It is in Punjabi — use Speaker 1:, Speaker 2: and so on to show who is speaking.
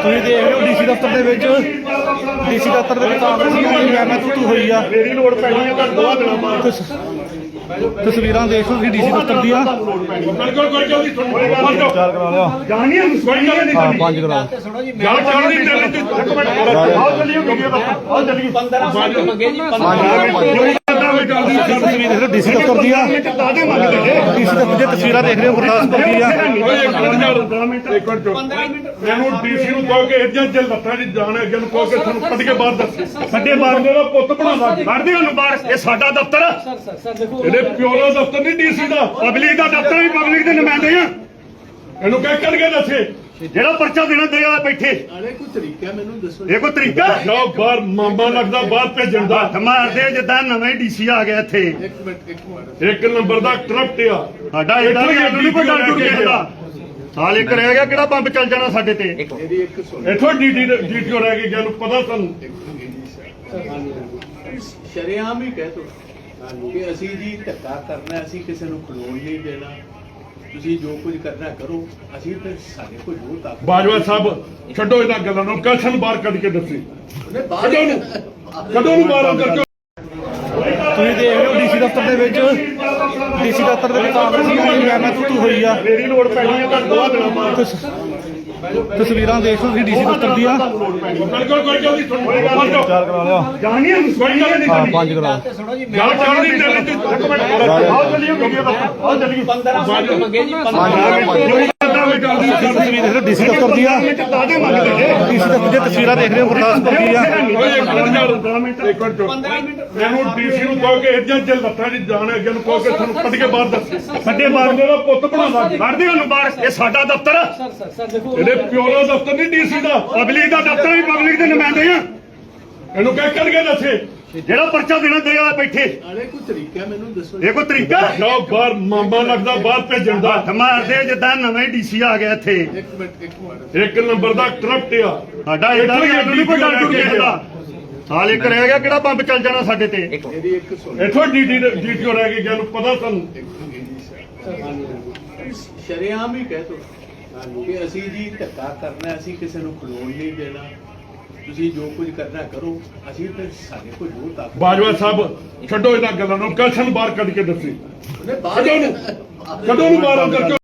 Speaker 1: ਤੁਸੀਂ ਦੇਖ ਰਹੇ ਹੋ ਡੀਸੀ ਦਫ਼ਤਰ ਦੇ ਵਿੱਚ ਕਾਂਗਰਸੀਆਂ ਦੀ ਮੈਂ ਤੂੰ ਹੋਈ ਆ।
Speaker 2: ਮੇਰੀ ਲੋੜ ਪੈਣੀ ਹੈ ਤਾਂ 2 ਦਿਨਾਂ ਬਾਅਦ
Speaker 1: ਤਸਵੀਰਾਂ ਦੇਖ ਲਓ ਤੁਸੀਂ ਡੀਸੀ ਦਫ਼ਤਰ ਦੀਆਂ।
Speaker 2: ਬਿਲਕੁਲ ਕੋਈ ਜਲਦੀ ਤੁਹਾਨੂੰ
Speaker 1: ਚਾਰ ਕਰਾ ਲਿਆ।
Speaker 2: ਜਾਣੀ ਹੈ ਕੋਈ ਗੱਲ ਨਹੀਂ
Speaker 1: ਹਾਂ 5 ਕਰਾ
Speaker 2: ਗੱਲ ਚੱਲ ਨਹੀਂ ਚੱਲਦੀ ਇੱਕ ਮਿੰਟ ਆਓ ਚੱਲੀਏ ਵੀਡੀਓ ਦਾ ਆਓ ਚੱਲੀਏ
Speaker 3: 15 ਮੰਗੇ ਜੀ 15
Speaker 1: ਤਸਵੀਰ ਦੇਖ ਲਓ ਡੀਸੀ ਦਫ਼ਤਰ ਦੀਆਂ।
Speaker 2: ਦਾਦੇ ਮੰਗਦੇ ਨੇ
Speaker 1: ਡੀਸੀ ਦਫ਼ਤਰ ਦੀਆਂ ਤਸਵੀਰਾਂ ਦੇਖ ਰਹੇ ਹੋ ਗੁਰਦਾਸਪੁਰ ਦੀਆਂ।
Speaker 2: ਮੈਨੂੰ ਡੀਸੀ ਨੂੰ ਕਹੋ ਕਿ ਇੱਦਾਂ ਜੇ ਲੱਤਾਂ ਦੀ ਜਾਣ ਅੱਗੇ ਨੂੰ ਕਹੋ ਕਿ ਤੁਹਾਨੂੰ ਕੱਢ ਕੇ ਬਾਹਰ ਦੱਸ ਸਾਡੇ ਬਾਹਰ ਦਾ ਪੁੱਤ ਬਣਾਵਾ ਕੱਢਦੇ ਉਹਨੂੰ ਬਾਹਰ। ਇਹ ਸਾਡਾ ਦਫ਼ਤਰ ਆ। ਇਹਦੇ ਪਿਓ ਦਾ ਦਫ਼ਤਰ ਨਹੀਂ ਡੀਸੀ ਦਾ, ਪਬਲਿਕ ਦਾ ਦਫ਼ਤਰ ਵੀ ਪਬਲਿਕ ਦੇ ਨੁਮਾਇੰਦੇ ਆ। ਇਹਨੂੰ ਕਹਿ ਕੱਢ ਕੇ ਦੱਸੇ ਜਿਹੜਾ ਪਰਚਾ ਦੇਣਾ ਦੇਗਾ ਬੈਠੇ।
Speaker 3: ਅਰੇ ਕੋਈ ਤਰੀਕਾ ਮੈਨੂੰ ਦੱਸੋ।
Speaker 2: ਇਹ ਕੋਈ ਤਰੀਕਾ ਜਾਓ ਬਾਹਰ ਮਾਮਾ ਲੱਗਦਾ ਬਾਹਰ ਭੇਜਣ ਦਾ। ਮਾਰਦੇ ਜਿੱਦਾਂ ਨਵੇਂ ਡੀਸੀ ਆ ਗਿਆ ਇੱਥੇ।
Speaker 3: ਇੱਕ ਮਿੰਟ
Speaker 2: ਇੱਕ ਨੰਬਰ ਦਾ ਕਰਪਟ ਆ ਸਾਡਾ। ਇਹਦਾ ਨਹੀਂ ਕੋਈ ਡਰ ਡੁਰ ਕਿਸੇ ਦਾ। ਸਾਲ ਇੱਕ ਰਹਿ ਗਿਆ ਕਿਹੜਾ ਬੰਬ ਚੱਲ ਜਾਣਾ ਸਾਡੇ ਤੇ।
Speaker 3: ਮੇਰੀ ਇੱਕ ਸੁਣ
Speaker 2: ਇੱਥੋਂ ਡੀਟੀਓ ਰਹਿ ਗਈ ਜਿਹਨੂੰ ਪਤਾ ਤੁਹਾਨੂੰ।
Speaker 3: ਸ਼ਰੇਆਮ ਹੀ ਕਹਿ ਤੋ ਕਿ ਅਸੀਂ ਜੀ ਧੱਕਾ ਕਰਨਾ, ਅਸੀਂ ਕਿਸੇ ਨੂੰ ਖਲੋਣ ਨਹੀਂ ਦੇਣਾ। ਤੁਸੀਂ ਜੋ ਕੁਝ ਕਰਨਾ ਕਰੋ, ਅਸੀਂ ਤੇ ਸਾਡੇ ਕੋਲ ਜੋ ਤਾਕਤ।
Speaker 2: ਬਾਜਵਾ ਸਾਹਿਬ ਛੱਡੋ ਇਹਨਾਂ ਗੱਲਾਂ ਨੂੰ, ਕਸ਼ਨ ਬਾਹਰ ਕੱਢ ਕੇ ਦੱਸੀ ਕਦੋਂ ਨੂੰ ਬਾਹਰ ਕਰਕੇ।
Speaker 1: ਤੁਸੀਂ ਦੇਖ ਰਹੇ ਹੋ ਡੀਸੀ ਦਫ਼ਤਰ ਦੇ ਵਿੱਚ ਕਾਂਗਰਸੀਆਂ ਦੀ ਮੈਂ ਤੂੰ ਹੋਈ ਆ।
Speaker 2: ਮੇਰੀ ਲੋੜ ਪੈਣੀ ਹੈ ਤਾਂ 2 ਦਿਨਾਂ ਬਾਅਦ
Speaker 1: ਤਸਵੀਰਾਂ ਦੇਖ ਲਓ ਤੁਸੀਂ ਡੀਸੀ ਦਫ਼ਤਰ ਦੀਆਂ।
Speaker 2: ਬਿਲਕੁਲ ਕੋਈ ਜਲਦੀ ਤੁਹਾਨੂੰ
Speaker 1: ਚਾਰ ਕਰਾ ਲਿਆ।
Speaker 2: ਜਾਣੀ ਹੈ ਕੋਈ ਗੱਲ ਨਹੀਂ
Speaker 1: ਹਾਂ 5 ਕਰਾ
Speaker 2: ਗੱਲ ਚੱਲ ਨਹੀਂ ਚੱਲਦੀ ਇੱਕ ਮਿੰਟ ਆਓ ਚੱਲੀਏ ਵੀਡੀਓ ਦਾ ਆਓ ਚੱਲੀਏ
Speaker 3: 15 ਮੰਗੇ ਜੀ 15
Speaker 1: ਤਸਵੀਰ ਦੇਖ ਲਓ ਡੀਸੀ ਦਫ਼ਤਰ ਦੀਆਂ।
Speaker 2: ਦਾਦੇ ਮੰਗਦੇ ਨੇ
Speaker 1: ਡੀਸੀ ਦਫ਼ਤਰ ਦੀਆਂ ਤਸਵੀਰਾਂ ਦੇਖ ਰਹੇ ਹੋ ਗੁਰਦਾਸਪੁਰ ਦੀਆਂ।
Speaker 2: ਮੈਨੂੰ ਡੀਸੀ ਨੂੰ ਕਹੋ ਕਿ ਇੱਦਾਂ ਜੇ ਲੱਤਾਂ ਦੀ ਜਾਣ ਅੱਗੇ ਨੂੰ ਕਹੋ ਕਿ ਤੁਹਾਨੂੰ ਕੱਢ ਕੇ ਬਾਹਰ ਦੱਸ ਸਾਡੇ ਬਾਹਰ ਦਾ ਪੁੱਤ ਬਣਾਵਾ ਕੱਢਦੇ ਉਹਨੂੰ ਬਾਹਰ। ਇਹ ਸਾਡਾ ਦਫ਼ਤਰ ਆ। ਇਹਦੇ ਪਿਓ ਦਾ ਦਫ਼ਤਰ ਨਹੀਂ ਡੀਸੀ ਦਾ, ਪਬਲਿਕ ਦਾ ਦਫ਼ਤਰ ਵੀ ਪਬਲਿਕ ਦੇ ਨੁਮਾਇੰਦੇ ਆ। ਇਹਨੂੰ ਕਹਿ ਕੱਢ ਕੇ ਦੱਸੇ ਜਿਹੜਾ ਪਰਚਾ ਦੇਣਾ ਦੇਗਾ ਬੈਠੇ।
Speaker 3: ਅਰੇ ਕੋਈ ਤਰੀਕਾ ਮੈਨੂੰ ਦੱਸੋ।
Speaker 2: ਇਹ ਕੋਈ ਤਰੀਕਾ ਜਾਓ ਬਾਹਰ ਮਾਮਾ ਲੱਗਦਾ ਬਾਹਰ ਭੇਜਣ ਦਾ। ਮਾਰਦੇ ਜਿੱਦਾਂ ਨਵੇਂ ਡੀਸੀ ਆ ਗਿਆ ਇੱਥੇ।
Speaker 3: ਇੱਕ ਮਿੰਟ
Speaker 2: ਇੱਕ ਨੰਬਰ ਦਾ ਕਰਪਟ ਆ ਸਾਡਾ। ਇਹਦਾ ਨਹੀਂ ਕੋਈ ਡਰ ਡੁਰ ਕਿਸੇ ਦਾ। ਸਾਲ ਇੱਕ ਰਹਿ ਗਿਆ ਕਿਹੜਾ ਬੰਬ ਚੱਲ ਜਾਣਾ ਸਾਡੇ ਤੇ।
Speaker 3: ਮੇਰੀ ਇੱਕ ਸੁਣ
Speaker 2: ਇੱਥੋਂ ਡੀਟੀਓ ਰਹਿ ਗਈ ਜਿਹਨੂੰ ਪਤਾ ਤੁਹਾਨੂੰ।
Speaker 3: ਸ਼ਰੇਆਮ ਹੀ ਕਹਿ ਤੋ ਕਿ ਅਸੀਂ ਜੀ ਧੱਕਾ ਕਰਨਾ, ਅਸੀਂ ਕਿਸੇ ਨੂੰ ਖਲੋਣ ਨਹੀਂ ਦੇਣਾ। ਤੁਸੀਂ ਜੋ ਕੁਝ ਕਰਨਾ ਕਰੋ, ਅਸੀਂ ਤੇ ਸਾਡੇ ਕੋਲ ਜੋ ਤਾਕਤ।
Speaker 2: ਬਾਜਵਾ ਸਾਹਿਬ ਛੱਡੋ ਇਹਨਾਂ ਗੱਲਾਂ ਨੂੰ, ਕਸ਼ਨ ਬਾਹਰ ਕੱਢ ਕੇ ਦੱਸੀ ਕਦੋਂ ਨੂੰ ਬਾਹਰ ਕਰਕੇ